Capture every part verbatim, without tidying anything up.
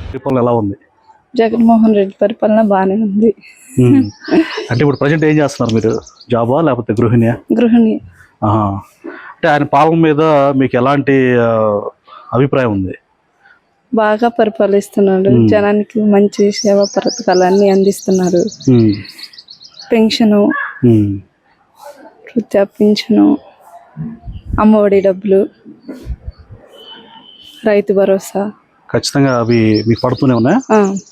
పరిపాలన ఎలా ఉంది? జగన్మోహన్ రెడ్డి పరిపాలన బాగానే ఉంది. అంటే ఇప్పుడు ప్రజెంట్ ఏం చేస్తున్నారు మీరు? జాబా లేకపోతే గృహిణియా? గృహిణి. అంటే ఆయన పాలన మీద మీకు ఎలాంటి అభిప్రాయం ఉంది? బాగా పరిపాలిస్తున్నాడు, జనానికి మంచి సేవా పథకాలన్నీ అందిస్తున్నారు. పెన్షను, వృత్తి పింఛను, అమ్మఒడి డబ్బులు, రైతు భరోసా ఖచ్చితంగా అవి మీకు పడుతూనే ఉన్నాయా?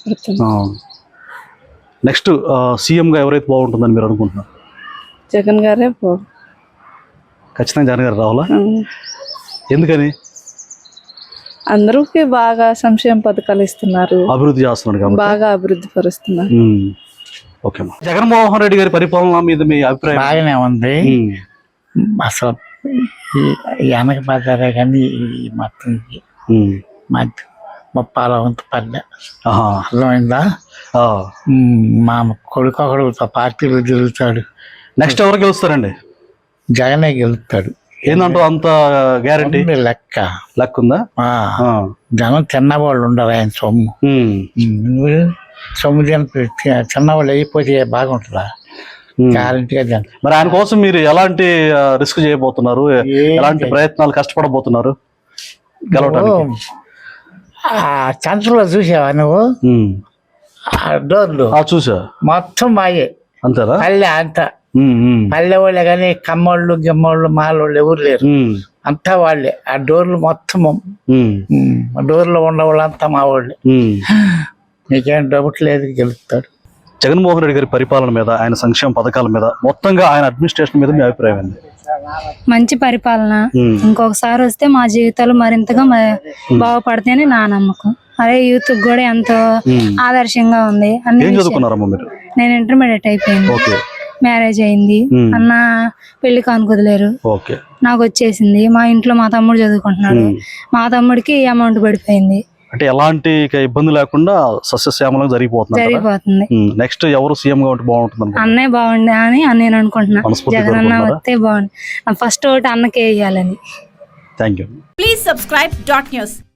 నెక్స్ట్ సీఎంగా ఎవరైతే బాగుంటుందని మీరు అనుకుంటున్నారు? జగన్ గారే బాగు. ఖచ్చితంగా జగన్ గారు రావాలా? ఎందుకని? అందరికి బాగా సంక్షేమ పథకాలు ఇస్తున్నారు, అభివృద్ధి చేస్తున్నారు, బాగా అభివృద్ధి పరుస్తున్నారు. ఓకే. జగన్మోహన్ రెడ్డి గారి పరిపాలన మీద మీ అభిప్రాయం? బాగానే ఉంది. అసలు వెనక పడ్డారే కానీ మొత్తం మధ్య ముప్పాల వంతు పడ్డా. అర్థమైందా? మా కొడుకు ఒకడు పార్టీలో తిరుగుతాడు. నెక్స్ట్ ఎవరు గెలుస్తారండి? జగనే గెలుస్తాడు. ఏందంటూ అంత గ్యారంటీ? లెక్క లెక్క ఉందా? జనం చిన్నవాళ్ళు ఉండరు ఆయన సొమ్ము. సొమ్ము చిన్నవాళ్ళు అయిపోతే బాగుంటుందా? గ్యారంటీగా జనం. మరి ఆయన కోసం మీరు ఎలాంటి రిస్క్ చేయబోతున్నారు? ఎలాంటి ప్రయత్నాలు కష్టపడబోతున్నారు గెలవడానికి? చంద్రలో చూసావా నువ్వు? డోర్లు చూసా. మొత్తం మాయే. అంతేనా? పల్లె అంతా పల్లె వాళ్ళే కానీ కమ్మోళ్ళు గిమ్మోళ్ళు మాలోళ్ళు ఎవరు లేరు, అంతా వాళ్ళే. ఆ డోర్లు మొత్తము డోర్లో ఉన్న వాళ్ళంతా మా వాళ్ళే. నీకేం డౌట్ లేదు, గెలుస్తాడు. జగన్మోహన్ రెడ్డి గారి పరిపాలన మీద, ఆయన సంక్షేమ పథకాల మీద, మొత్తంగా ఆయన అడ్మినిస్ట్రేషన్ మీద మీ అభిప్రాయం ఏంది? మంచి పరిపాలన. ఇంకొకసారి వస్తే మా జీవితాలు మరింతగా బాగుపడతాయని నా నమ్మకం. అదే యూత్ కూడా ఎంతో ఆదర్శంగా ఉంది. నేను ఇంటర్మీడియట్ అయిపోయింది, మ్యారేజ్ అయింది, అన్న పెళ్లి కానుకొదిలేరు, నాకు వచ్చేసింది. మా ఇంట్లో మా తమ్ముడు చదువుకుంటున్నాడు, మా తమ్ముడికి అమౌంట్ పడిపోయింది. అంటే ఎలాంటి ఇబ్బంది లేకుండా సస్యశ్యామలంగా జరిగిపోతుంది జరిగిపోతుంది. నెక్స్ట్ ఎవరు సీఎం గా ఉంటే బాగుంటుంది? అన్నయ్య బాగుండే అని నేను అనుకుంటున్నా. జగన్ అన్న వస్తే బాగుంది. ఫస్ట్ ఓటు అన్నకే వేయాలని. Thank you. Please subscribe dot news.